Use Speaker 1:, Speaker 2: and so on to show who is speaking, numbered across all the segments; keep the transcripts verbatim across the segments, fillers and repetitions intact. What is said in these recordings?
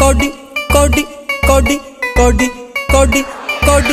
Speaker 1: Cody ਕੋਡੀ ਕੋਡੀ ਕੋਡੀ ਕੋਡੀ ਕੋਡੀ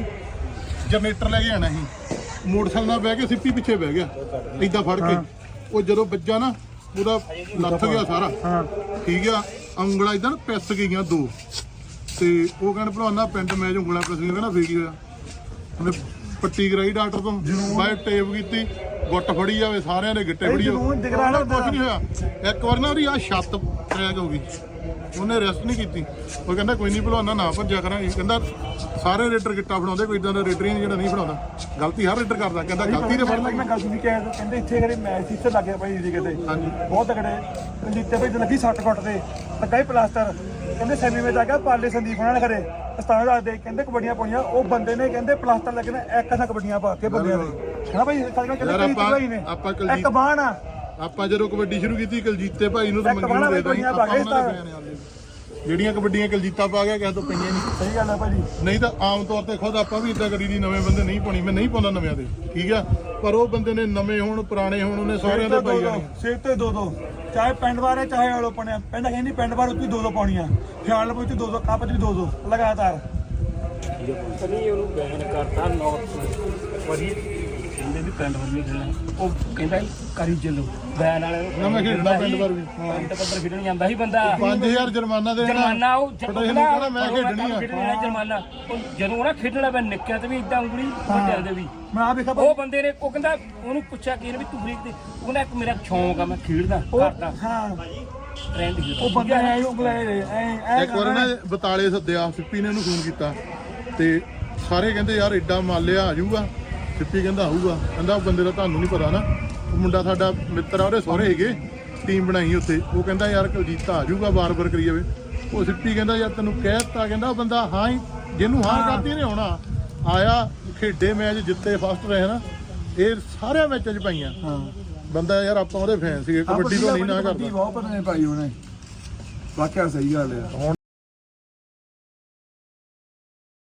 Speaker 2: ਜਨਰੇਟਰ ਲੈ ਕੇ ਆਣਾ ਸੀ ਮੋਟਰਸਾਈਕਲ ਨਾਲ ਬਹਿ ਕੇ ਸਿੱਪੀ ਪਿੱਛੇ ਬਹਿ ਗਿਆ ਏਦਾਂ ਫੜ ਕੇ ਉਹ ਜਦੋਂ ਵੱਜਾ ਨਾ ਉਹਦਾ ਲੱਥ ਗਿਆ ਸਾਰਾ ਠੀਕ ਆ ਉਂਗਲਾਂ ਇਦਾਂ ਪਿਸ ਗਈਆਂ ਦੋ ਤੇ ਉਹ ਕਹਿੰਦੇ ਭਲਵਾਨਾ ਪਿੰਡ ਮੈਚ ਉਂਗਲਾਂ ਪਿਸ ਗਈਆਂ ਕਹਿੰਦਾ ਫੇਰ ਕੀ ਹੋਇਆ ਉਹਨੇ ਪੱਟੀ ਕਰਾਈ ਡਾਕਟਰ ਤੋਂ ਬਾਈ ਟੇਪ ਕੀਤੀ ਗੁੱਟ ਫੜੀ ਜਾਵੇ ਸਾਰਿਆਂ ਦੇ ਗਿੱਟੇ ਫੜੀ ਜਾਵੇ ਕੁਛ ਨਹੀਂ ਹੋਇਆ ਇੱਕ ਵਾਰ ਨਾ ਉਹਦੀ ਆ ਛੱਤ ਟਰੈਕ ਹੋ ਗਈ ਉਹਨੇ ਰੈਸਟ ਨਹੀਂ ਕੀਤੀ ਉਹ ਕਹਿੰਦਾ ਕੋਈ ਨਹੀਂ ਭਲਵਾਨਾ ਨਾ ਭੱਜਿਆ ਕਰਾਂਗੇ ਕਹਿੰਦਾ ਸਾਰੇ ਰੇਡਰ ਗਿੱਟਾ ਫੜਾਉਂਦੇ ਕੋਈ ਇਦਾਂ ਦਾ ਰੇਡਰ ਹੀ ਜਿਹੜਾ ਨਹੀਂ ਫੜਾਉਂਦਾ ਗਲਤੀ ਹਰ ਰੇਡਰ ਕਰਦਾ ਕਹਿੰਦਾ ਗਲਤੀ ਤੇ ਫੜ
Speaker 3: ਮੈਂ ਗੱਲ ਸੁਣੀ ਕਿ ਕਹਿੰਦੇ ਇੱਥੇ ਕਰੇ ਮੈਚ ਇੱਥੇ ਲੱਗ ਗਿਆ ਭਾਈ ਜੀ ਕਿਤੇ
Speaker 2: ਹਾਂਜੀ
Speaker 3: ਬਹੁਤ ਤਕੜੇ ਜਿੱਤੇ ਭਾਈ ਲੱਗੀ ਸੱਟ ਫੁੱਟ ਤੇ ਲੱਗਾ ਹੀ ਪਲਾਸਟਰ ਕਹਿੰਦੇ ਸੈਮੀ ਵਿੱਚ ਆ ਗਿਆ ਪਾਲੇ ਸੰਦੀਪ ਉਹਨਾਂ ਨੇ ਕਰੇ ਅਸਤਾਨ ਦੱਸਦੇ ਕਹਿੰਦੇ ਕਬੱਡੀਆਂ ਪਾਈਆਂ ਉਹ ਬੰਦੇ ਨੇ ਕਹਿੰਦੇ ਪਲਾਸਟਰ ਲੱਗਣਾ ਇੱਕ ਅਸਾਂ ਕਬੱਡੀਆਂ ਪਾ ਕੇ ਬੰਦਿਆਂ ਦੇ ਹਨਾ ਭਾਈ ਕਹਿੰਦੇ
Speaker 2: ਆਪਾਂ
Speaker 3: ਇੱਕ ਬਾਣ ਆ
Speaker 2: ਆਪਾਂ ਜਦੋਂ ਕਬੱਡੀ ਸ਼ੁਰੂ ਕੀਤੀ ਕਲਜੀਤੇ ਭਾਈ ਨੂੰ ਤਾਂ ਮੰਗੀ ਦੇ ਦਾਂ ਜਿਹੜੀਆਂ ਕਬੱਡੀਆਂ ਕਲਜੀਤਾ ਪਾ ਗਿਆ ਕਿਸੇ ਤੋਂ ਪਈਆਂ ਨਹੀਂ
Speaker 3: ਸਹੀ ਗੱਲ ਹੈ ਭਾਜੀ
Speaker 2: ਨਹੀਂ ਤਾਂ ਆਮ ਤੌਰ ਤੇ ਖੁਦ ਆਪਾਂ ਵੀ ਇਦਾਂ ਕਰੀ ਦੀ ਨਵੇਂ ਬੰਦੇ ਨਹੀਂ ਪਾਉਣੀ ਮੈਂ ਨਹੀਂ ਪਾਉਂਦਾ ਨਵਿਆਂ ਦੇ ਠੀਕ ਆ ਪਰ ਉਹ ਬੰਦੇ ਨੇ ਨਵੇਂ ਹੋਣ ਪੁਰਾਣੇ ਹੋਣ ਉਹਨੇ ਸਾਰਿਆਂ ਦੇ ਪਾਈ ਜਾਣੀ
Speaker 3: ਸਿਰ ਤੇ ਦੋ ਦੋ ਚਾਹੇ ਪਿੰਡ ਵਾਰੇ ਚਾਹੇ ਆਲੋ ਪਣਿਆ ਪਿੰਡ ਕਹਿੰਦੀ ਪਿੰਡ ਵਾਰ ਉੱਤੇ ਦੋ ਦੋ ਪਾਉਣੀਆਂ ਖਿਆਲ ਵਿੱਚ ਦੋ ਦੋ ਕੱਪ ਚ ਵੀ ਦੋ ਦੋ ਲਗਾਤਾਰ
Speaker 4: ਨਹੀਂ ਉਹਨੂੰ ਬੈਨ ਕਰਤਾ ਨੌਰਥ ਵਰੀ ਕਹਿੰਦੇ ਵੀ ਪਿੰਡ ਵਰ ਵੀ ਖੇਡਣਾ ਉਹ ਕਹਿੰਦਾ ਕਰੀ ਚੱਲੋ ਬੈਨ ਵਾਲੇ ਨੂੰ
Speaker 2: ਨਾ ਮੈਂ ਖੇਡਣਾ ਪਿੰਡ ਵਾਰ ਵੀ
Speaker 4: ਪਿੰਡ ਪੱਧਰ ਖੇਡਣ ਜਾਂਦਾ ਸੀ ਬੰਦਾ
Speaker 2: ਪੰਜ ਹਜ਼ਾਰ ਜੁਰਮਾਨਾ ਦੇਣਾ
Speaker 4: ਜੁਰਮਾਨਾ ਉਹ
Speaker 2: ਕਹਿੰਦਾ ਮੈਂ ਖੇਡਣੀ ਆ
Speaker 4: ਜੁਰਮਾਨਾ ਜਦੋਂ ਨਾ ਖੇਡਣਾ ਮੈਂ ਨਿੱਕਿਆ ਤੇ ਵੀ ਇਦਾਂ ਉਂਗਲੀ ਵੱਡਿਆਂ ਦੇ ਵੀ
Speaker 3: ਮੈਂ ਆ ਵੇਖਾ
Speaker 4: ਉਹ ਬੰਦੇ ਨੇ ਉਹ ਕਹਿੰਦਾ ਉਹਨੂੰ ਪੁੱਛਿਆ ਕਿ ਵੀ ਤੂੰ ਬਰੀਕ ਤੇ ਉਹਨੇ ਇੱਕ ਮੇਰਾ ਸ਼ੌਂਕ ਆ ਮੈਂ ਖੇਡਦਾ ਕਰਦਾ
Speaker 3: ਹਾਂ
Speaker 4: ਟ੍ਰੈਂਡ
Speaker 3: ਉਹ ਬੰਦਾ ਐ ਉਹ ਬੁਲਾਏ ਐ
Speaker 2: ਇੱਕ ਵਾਰ ਨਾ ਬਤਾਲੇ ਸੱਦਿਆ ਸਿੱਪੀ ਨੇ ਉਹਨੂੰ ਫੋਨ ਕੀਤਾ ਤੇ ਸਾਰੇ ਕਹਿੰਦੇ ਯਾਰ ਏਡਾ ਮਾਲਿਆ ਆ ਜਾਊਗਾ ਸਿੱਪੀ ਕਹਿੰਦਾ ਆਊਗਾ ਕਹਿੰਦਾ ਉਹ ਬੰਦੇ ਦਾ ਤੁਹਾਨੂੰ ਨਹੀਂ ਪਤਾ ਨਾ ਉਹ ਮੁੰਡਾ ਸਾਡਾ ਮਿੱਤਰ ਆ ਉਹਦੇ ਸਹੁਰੇ ਹੈਗੇ ਟੀਮ ਬਣਾਈ ਉੱਥੇ ਉਹ ਕਹਿੰਦਾ ਯਾਰ ਕਲਜੀਤਾ ਆ ਜਾਊਗਾ ਬਾਰ-ਬਾਰ ਕਰੀ ਜਾਵੇ ਉਹ ਸਿੱਪੀ ਕਹਿੰਦਾ ਯਾਰ ਤੈਨੂੰ ਕਹਿ ਦਿੱਤਾ ਕਹਿੰਦਾ ਉਹ ਬੰਦਾ ਹਾਂ ਹੀ ਜਿਹਨੂੰ ਹਾਂ ਕਰਦੀ ਨੇ ਆਉਣਾ ਆਇਆ ਖੇਡੇ ਮੈਚ ਜਿੱਤੇ ਫਸਟ ਰਹੇ ਨਾ ਇਹ ਸਾਰਿਆਂ ਮੈਚਾਂ 'ਚ ਪਾਈਆਂ ਬੰਦਾ ਯਾਰ ਆਪਾਂ ਉਹਦੇ ਫੈਨ ਸੀਗੇ ਕਬੱਡੀ ਤੋਂ ਨਹੀਂ ਨਾ ਕਰਦਾ
Speaker 3: ਬਹੁਤ ਪਤਾ ਨਹੀਂ ਭਾਈ ਉਹਨੇ ਵਾਕਿਆ ਸਹੀ ਗੱਲ ਹੈ।